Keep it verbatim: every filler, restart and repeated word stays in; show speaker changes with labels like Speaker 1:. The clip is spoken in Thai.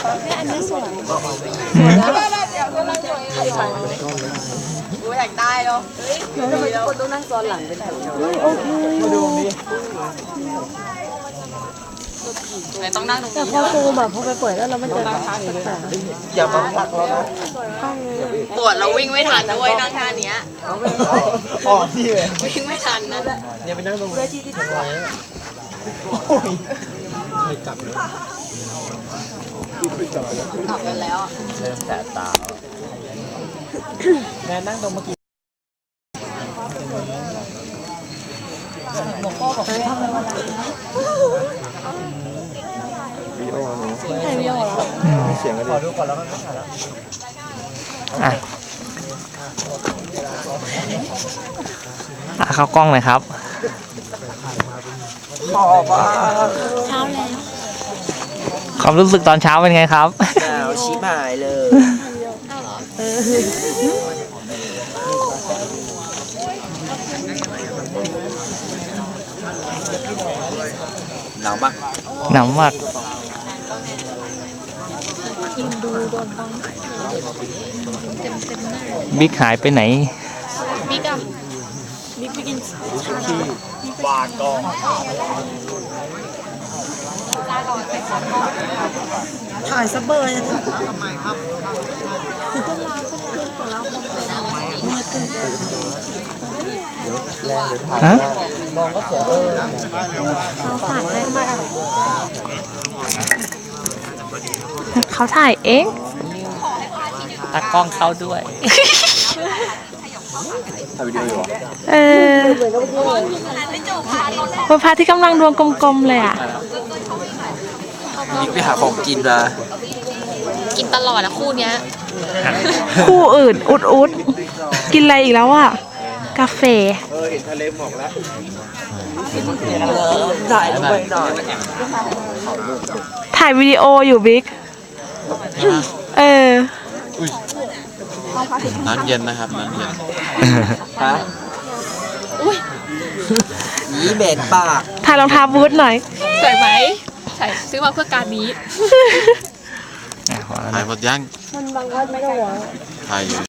Speaker 1: เนี่ยอันนี้สวยกูอยากได้เนาะทำไมทุกคนต้องนั่งซ้อนหลังเป็นแถวโอเคมาดูดิไม่ต้องนั่งตรงนี้แต่พอซูมแบบพอไปเปิดแล้วเราไม่เจออย่ามาผลักเรานะปวดเราวิ่งไม่ทันด้วยนั่งท่านี้อ๋อที่เลยวิ่งไม่ทันนะเนี่ยไปนั่งตรงนี้ที่ที่ทำไรไม่กลับเลยกลับกันแล้วเริ่มแสบตาแม่นั่งตรงเมื่อกี้หลวงพ่อบอกให้ทำอะไรวะวิดีโอหนูใช่วิดีโอแล้วเสียงกันดิขอดูก่อนแล้วก็ถ่ายแล้ว
Speaker 2: อ่ะอ่ะเข้ากล้องเลยครับ
Speaker 1: ขอบอ่ะ
Speaker 3: เช้าแล้ว
Speaker 2: ความรู้สึกตอนเช้าเป็นไงครับ
Speaker 1: หนาวชิบหายเลยหนาวมาก
Speaker 2: หนาวมากบิ๊กหายไปไหน
Speaker 3: บิ๊กอะบิ๊กไปกิน
Speaker 1: บาดกองถ่ายซับเบอร์นะทำไมครับ
Speaker 2: ฮะ
Speaker 1: มองก็เสียเออ
Speaker 3: เขาถ่ายเอง
Speaker 2: ตากล้องเข้าด้วย
Speaker 1: ถ่ายวิดีโออยู่
Speaker 3: เออเป็นพระที่กำลังดวงกลมๆเลยอ่ะ
Speaker 1: บิ๊กไปหาของกินมา
Speaker 3: กินตลอดนะคู่เนี้ยคู่อื่นอุดอุดกินอะไรอีกแล้วอ่ะกาแฟ
Speaker 1: เออเห็นทะเลหมอกแล้วถ่ายลงไปหน่อย
Speaker 3: ถ่ายวิดีโออยู่บิ๊กเออ
Speaker 4: น้ำเย็นนะครับน้ำเย็น
Speaker 1: ฮะอุ้ยนี่เบ็ดปาก
Speaker 3: ถ่ายรองเท้าบูทหน่อยสวยไหมใช่ซื้อมาเพื่อการนี้
Speaker 4: ถ่ายหมดยังถ่ายอยู่